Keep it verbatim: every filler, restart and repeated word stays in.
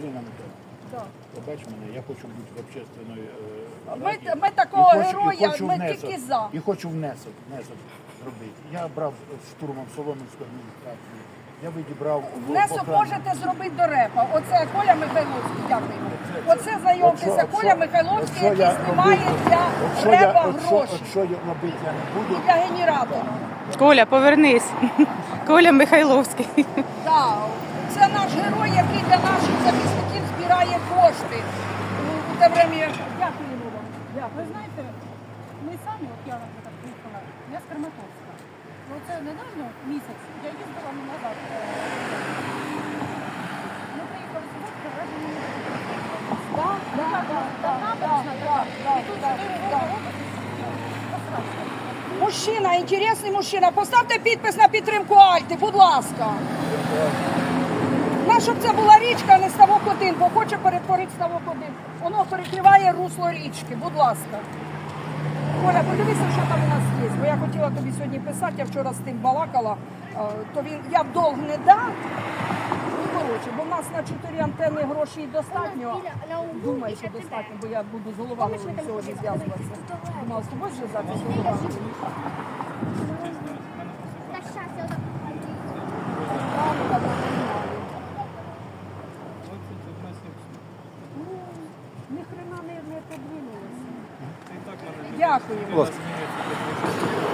Ірина Миколаївна, Так. побач мене, я хочу бути в общественної е, Ми, раді. ми такого І хочу- і героя, хочу ми внесок- тільки за. І хочу внесок, внесок зробити. Я брав штурмом Солом'янську адміністрацію. Я відібрав... в- Внесок в охрану. можете зробити до репа. Оце Коля Михайловський, дякуємо. Оце знайомтеся, От що- Коля от що- Михайловський, от що який я знімає робити- для от що я- репа от що- гроші. От що я робити я не буду. Для генератора. Коля, повернись. Коля Михайловський. Так, це наш герой, який для наших захисників збирає кошти. У- У те время... Дякуємо вам. Ви знаєте, ми самі, от я, наприклад, приїхала, я з Краматорська. Оце недавно, місяць, я їздила не назад. е, Ми приїхали з Водки, вражені не Так, так, так, так, так, так, так, так, так. Мужчина, інтересний мужчина, поставте підпис на підтримку Альти, будь ласка. На, щоб це була річка, а не ставок один, бо хоче перетворити ставок один. Воно перекриває русло річки, будь ласка. Коля, подивися, що там у нас є. Бо я хотіла тобі сьогодні писати, я вчора з тим балакала, е, то він, я в долг не дам. Ну, коротше, бо в нас на чотири антени грошей достатньо. Думаю, що достатньо, бо я буду з головами сьогодні зв'язуватися. Думала, з тобою зв'язатися з головами. Так, щас, я отак. Правда, не знаю. Ну, ні хрена не, не подвинулося. Дякую. Будь ласка.